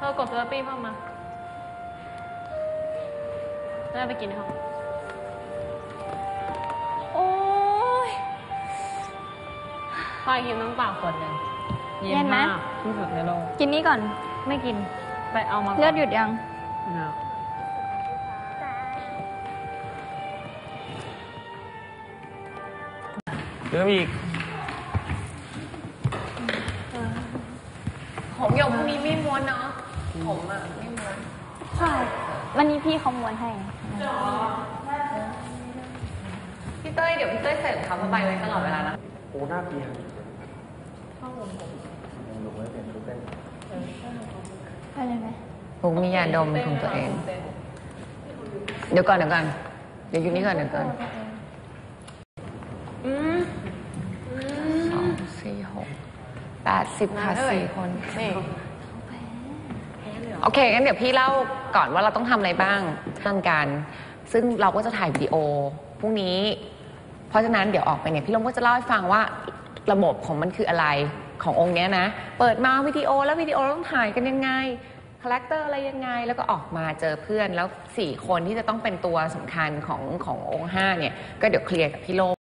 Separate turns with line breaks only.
กดเซอร์ปี้เข้ามาแล้วไปกินในห้องโอ้ยพอยกินน้ำเปล่าขวดหนึ่งเย็นมากที่สุดในโลก
กินนี้ก่อน
ไม่กินไปเอามา
เลือดหยุดยัง
เริ่มอีก
ผมหยกพรุ่งนี้ไม่ม้วนเนาะผมอ่ะไม่ม้วน
ใช่วันนี้พี่เขาม้วนให้
พี่เต้ยเดี๋ยวพี่เต้ยใส่รองเท้าผ้าใบไว้ตลอดเวลานะ
โอ้หน้าเปลี่ยน
ข้าวผม
ลงไว้เปลี่ยนชุดเต้น
ไปเลยไหม
ผมมียาดมของตัวเองเดี๋ยวก่อนเดี๋ยวอยู่นี่ก่อนเดี๋ยวก่อน2 4 6 80ค่ะ4 คนโอเคงั้นเดี๋ยวพี่เล่าก่อนว่าเราต้องทำอะไรบ้างทางการซึ่งเราก็จะถ่ายวิดีโอพรุ่งนี้เพราะฉะนั้นเดี๋ยวออกไปเนี่ยพี่ลงก็จะเล่าให้ฟังว่าระบบของมันคืออะไรขององค์เนี้ยนะเปิดมาวิดีโอแล้ววิดีโอต้องถ่ายกันยังไงคาแรคเตอร์อะไรยังไงแล้วก็ออกมาเจอเพื่อนแล้ว4 คนที่จะต้องเป็นตัวสำคัญขององค์5เนี่ยก็เดี๋ยวเคลียร์กับพี่โล